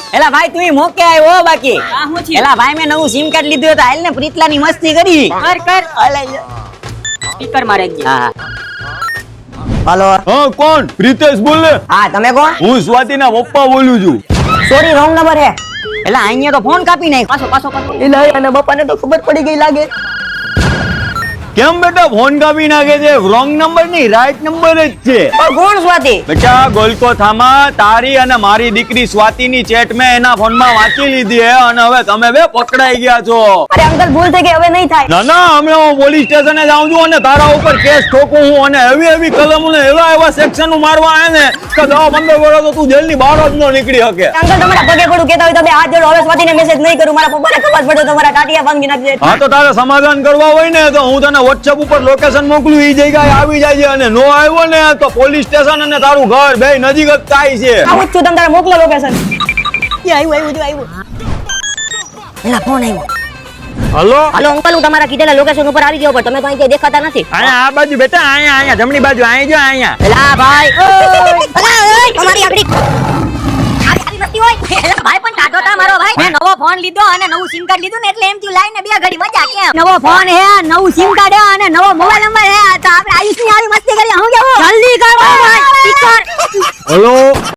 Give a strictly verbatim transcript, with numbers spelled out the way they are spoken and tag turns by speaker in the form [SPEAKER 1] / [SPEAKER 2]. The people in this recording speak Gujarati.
[SPEAKER 1] એલા ભાઈ તું મોકે આવ્યો બાકી
[SPEAKER 2] આ હું થયું?
[SPEAKER 1] એલા ભાઈ મેં નવું સિમ કાર્ડ લીધું હતું હાલ ને પ્રીતલાની મસ્તી કરી
[SPEAKER 2] કર કર
[SPEAKER 1] અલે
[SPEAKER 2] સ્પીકર મારે જ
[SPEAKER 1] હા હાલો
[SPEAKER 3] હા કોણ? પ્રિતેશ બોલ ને.
[SPEAKER 1] હા તમે કોણ
[SPEAKER 3] હું સ્વાતિના પપ્પા બોલું છું.
[SPEAKER 1] સોરી રોંગ નંબર હે એલા અહીંયા તો ફોન કાપી નાખ
[SPEAKER 2] પાછો પાછો પાછો
[SPEAKER 1] એલા અને બાપાને તો ખબર પડી ગઈ લાગે
[SPEAKER 3] કેમ બેટા ફોન કાપી નાખે છે? રોંગ નંબર નહીં, રાઈટ નંબર જ છે.
[SPEAKER 1] પણ કોણ સ્વાતિ
[SPEAKER 3] બેટા ગોલકોથામાં તારી અને મારી દીકરી સ્વાતિની ચેટ મેં એના ફોનમાં વાંચી લીધી હે અને હવે તમે બે પકડાઈ ગયા છો.
[SPEAKER 1] અરે અંકલ ભૂલ થઈ ગઈ હવે નહીં થાય
[SPEAKER 3] ના ના અમે હું પોલીસ સ્ટેશને જાઉં છું અને તારા ઉપર કેસ ઠોકું હું અને એવી એવી કલમો ને એવા એવા સેક્શન મારવા આવે ને કે દસ પંદર વર્ષ તો તું જેલની બહાર જ ન નીકળી શકે.
[SPEAKER 1] અંકલ તમારા પગે પડું કેતા હોય તો બે હાથ જોડો હવે સ્વાતિને મેસેજ નહીં કરું મારા પપ્પાને ખબર પડે તમારા ટાટિયા ભાંગી નાખજે
[SPEAKER 3] હા તો તારે સમાધાન કરવા હોય ને તો હું તને વોટ્સએપ ઉપર લોકેશન મોકલું, ઈ જગ્યાએ આવી જાય છે અને નો આવ્યો ને તો પોલીસ સ્ટેશન અને તારું ઘર બે નજીક જ થાય છે.
[SPEAKER 1] આવું જ છું તમે તારે મોકલો લોકેશન એ આવ્યું આવ્યું જો આવ્યું એલા ફોન આવ્યો
[SPEAKER 3] હલો
[SPEAKER 1] હાલો અંકલ હું તમારા કીધેલા લોકેશન ઉપર આવી ગયો પણ તમે તો અહીં ક્યાંય દેખાતા નથી
[SPEAKER 3] અહીંયા આ બાજુ બેટા, અહીંયા અહીંયા જમણી બાજુ અહીં જો અહીંયા.
[SPEAKER 1] એલા ભાઈ
[SPEAKER 2] અલા ઓય તમારી આગળી આવી આવી મસ્તી હોય એલા ભાઈ પણ ટાટો તા મારો ભાઈ મેં નવો ફોન લીધો અને નવું સિમ કાર્ડ લીધું ને એટલે એમ થયું લાઈને બે ઘડી મજા કેમ નવો ફોન હે નવું સિમ કાર્ડ હે અને નવો મોબાઈલ નંબર હે તો આપણે આયુષની આવી મસ્તી કરી હું કેવું જલ્દી કરો ભાઈ સ્પીકર
[SPEAKER 3] હલો